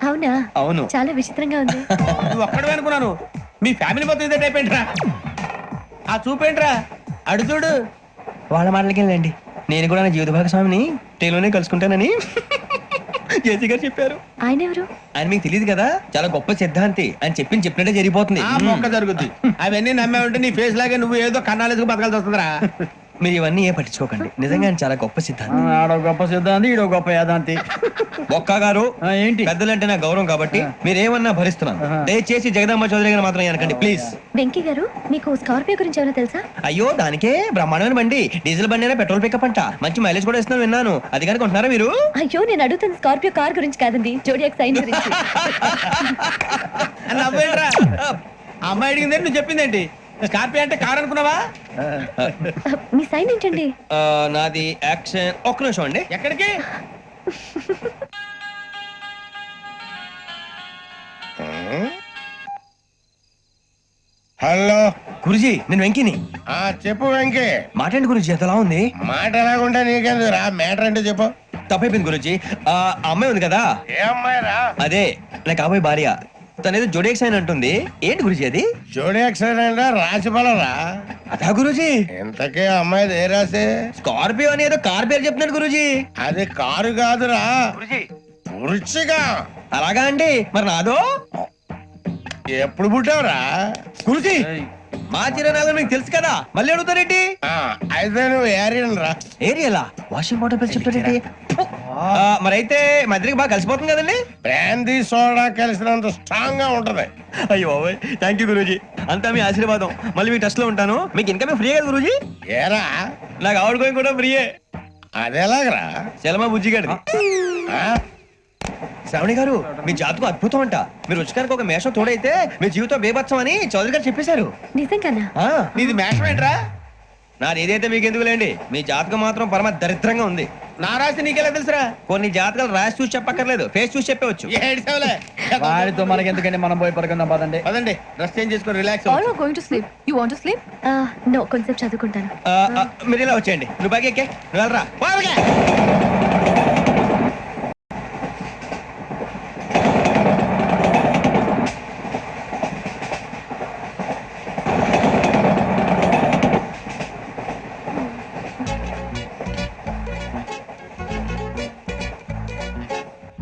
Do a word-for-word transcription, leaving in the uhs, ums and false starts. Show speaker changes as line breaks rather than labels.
అవునా?
అవును.
చాలా విచిత్రంగా ఉంది.
నువ్వు ఒక్కడే అనుకున్నాను, మీ ఫ్యామిలీ మొత్తం ఇదే టైప్ ఏంట్రా? ఆ చూపేంట్రా, అడు చూడు.
వాళ్ళ మాటలకి వెళ్ళండి. నేను కూడా నా జీవిత భాగస్వామిని ట్రైన్లోనే కలుసుకుంటానని జేసీ గారు చెప్పారు.
ఆయన ఎవరు?
ఆయన మీకు తెలియదు కదా, చాలా గొప్ప సిద్ధాంతి అని చెప్పింది చెప్పినట్టే జరిగిపోతుంది.
ఆ మొక్క జరుగుద్ది. అవన్నీ నమ్మే ఉంటే నీ ఫేస్ లాగే నువ్వు ఏదో కన్నాలేసుకు బతకాల్సి వస్తుందిరా.
మీరు ఇవన్నీ ఏ పట్టించుకోకండి, నిజంగా ఆయన చాలా గొప్ప సిద్ధాంతి.
ఆడో గొప్ప సిద్ధాంతి, ఈడో గొప్ప యాదాంతి.
ఒక్క గారు
ఆ, ఏంటి?
పెద్దలంటే నా గౌరవం కాబట్టి మీరేమన్నా భరిస్తున్నాను. దయచేసి జగదాంబ చౌదరి గారు మాత్రం అనకండి ప్లీజ్.
వెంకీ గారు, మీకు స్కార్పియో గురించి ఏమైనా తెలుసా?
అయ్యో దానికే బ్రహ్మాండమైన బండి, డీజిల్ బండి అయినా పెట్రోల్ పికప్ అంట, మంచి మైలేజ్ కూడా ఇస్తున్నాను విన్నాను. అది కనుక ఉంటున్నారా మీరు?
అయ్యో, నేను అడుగుతుంది స్కార్పియో కార్ గురించి కాదండి, జోడియాక్ సైన్ గురించి.
నవ్వేంట్రా, అమ్మాయి అడిగిందేంటి నువ్వు చెప్పిందేంటి? స్కార్పియో అంటే కార్ అనుకున్నావా?
మీ సైన్ ఏంటండి?
ఆ, నాది యాక్షన్. ఒక్క నిమిషం అండి.
ఎక్కడికి?
హలో
గురుజీ నేను వెంకిని.
ఆ చెప్పు వెంకీ.
మాట్లాడి గురుజీ ఎంతలా ఉంది?
మాట ఎలాగుంటా నీకెందుకు రా, మ్యాటర్ అంటే చెప్పు.
తప్పైపోయింది గురుజీ. ఆ అమ్మాయి ఉంది కదా,
ఏ అమ్మాయి రా?
అదే నా కాబోయే భార్య. తనేదో జోడేక్స్ అని అంటుంది. ఏంటి గురుజీ అది?
జోడి యాక్సిడెంట్ రాసి రా.
అదా గురుజీ?
ఇంతకీ అమ్మాయిది ఏ రాసి?
స్కార్పియో అని ఏదో కార్ పేరు చెప్తున్నాడు గురుజీ.
అది కారు కాదురా, వృచ్చిగా.
అలాగా అండి, మరి నాదో?
ఎప్పుడు పుట్టావురా?
గురుజీ మా చిరనాలు మీకు తెలుసు కదా, మళ్ళీ అడుగుతారేంటి?
ఆ, అయితే నువ్వు ఏరియన్ రా.
ఏరియలా? వాషింగ్ వాటర్ పేరు చెప్తారేంటి? మరైతే మా ఇద్దరికి బాగా కలిసిపోతుంది కదండి.
బ్రాందీ సోడా కలిసినంత స్ట్రాంగ్ గా ఉంటది.
అయ్యో థ్యాంక్ యూ గురూజీ, అంతా మీ ఆశీర్వాదం. మళ్ళీ మీ టెస్ట్ లో ఉంటాను. మీకు ఇంకా ఫ్రీ కదా గురూజీ?
ఏరా
నాకు ఆవిడ గోయింగ్ కూడా ఫ్రీయే.
అదేలాగరా?
చలమా బుజ్జి గారి.
ఆ?
శ్రావణి గారు మీ జాతకు అద్భుతం అంట. మీరు రుచికారికి ఒక మేషం తోడైతే మీ జీవితం బేబత్సం అని చౌదరి గారు చెప్పేశారు.
నిజంగానా?
ఆ,
నీది మేషం ఏంట్రా?
నాది ఏదైతే మీకు ఎందుకులేండి, మీ జాతకం మాత్రం పరమ దరిద్రంగా ఉంది.
నా రాసి నీకెలా తెలుసురా?
కొన్ని జాతకాలు రాసి చూసి చెప్పక్కర్లేదు, ఫేస్ చూసి చెప్పవచ్చు.
ఏడ్చావులే.
వాడితో మనకి ఎందుకండి, మనం పోయి పడుకుందాం పదండి.
పదండి, డ్రెస్ చేంజ్ చేసుకొని relax
All are going to sleep. You want to sleep?
No, కొంచెం చదువుకుంటాను.
ఆ, ఆ, మీరు ఇలా వచ్చేయండి. నువ్వు బాగా ఎక్కే, నువ్వు వెళ్ళరా.